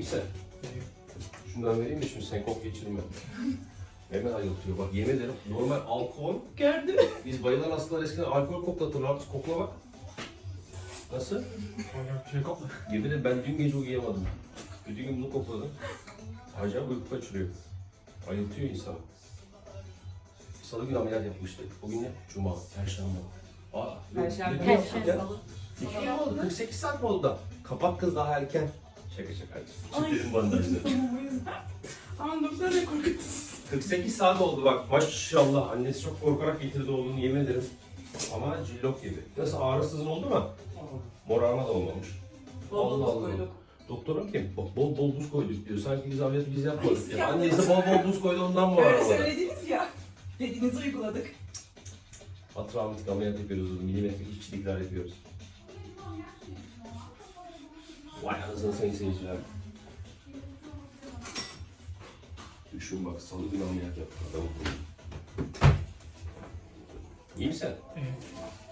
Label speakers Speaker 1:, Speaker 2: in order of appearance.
Speaker 1: misin? Şundan vereyim mi şimdi sen kok geçirme. Hemen ayıltıyor bak yemin ederim normal alkol.
Speaker 2: Gördüm.
Speaker 1: Biz bayılan hastalar eskiden alkol koklatırlar. Kokla bak. Nasıl?
Speaker 3: Bir şey kokla.
Speaker 1: Yemin ederim ben dün gece uyuyamadım. Bütün gün bunu kokladım. Acayip uyku kaçırıyor. Ayıltıyor insanı. Salı günü ameliyat yapmıştık. Bugün ne? Cuma, Perşembe.
Speaker 2: Perşembe.
Speaker 1: Ne yaptık ya?
Speaker 4: Salı.
Speaker 1: 2 gün oldu, 48 saat mi oldu da? Kapat kız daha erken. Şaka şaka. Çiftlerin bandajları.
Speaker 2: Tamam o yüzden. Ama doktor da korkutucu.
Speaker 1: 48 saat oldu bak maşallah. Annesi çok korkarak getirdi oğlunu yemin ederim. Ama cillok gibi. Nasıl ağrısızın oldu mu? Morarma da olmamış.
Speaker 4: Bol bol
Speaker 1: Allah
Speaker 4: buz
Speaker 1: Allah.
Speaker 4: koyduk.
Speaker 1: Doktorum kim? Bak bol bol buz koyduk diyor. Sanki biz ameliyatı biz yapmadık.
Speaker 2: Biz
Speaker 1: Ya.
Speaker 2: yapmadık.
Speaker 1: Annesi bol bol buz koydu ondan mı
Speaker 2: Öyle
Speaker 1: morarmadı?
Speaker 2: söylediniz ya. Dediğinizi uyguladık.
Speaker 1: Atraumatik ameliyat yapıyoruz. Milimetrik işçilikler yapıyoruz. Vay anasını sayın seyirciler. Düşün bak salı günü ameliyat yaptık adamı. İyi misin?
Speaker 3: Evet.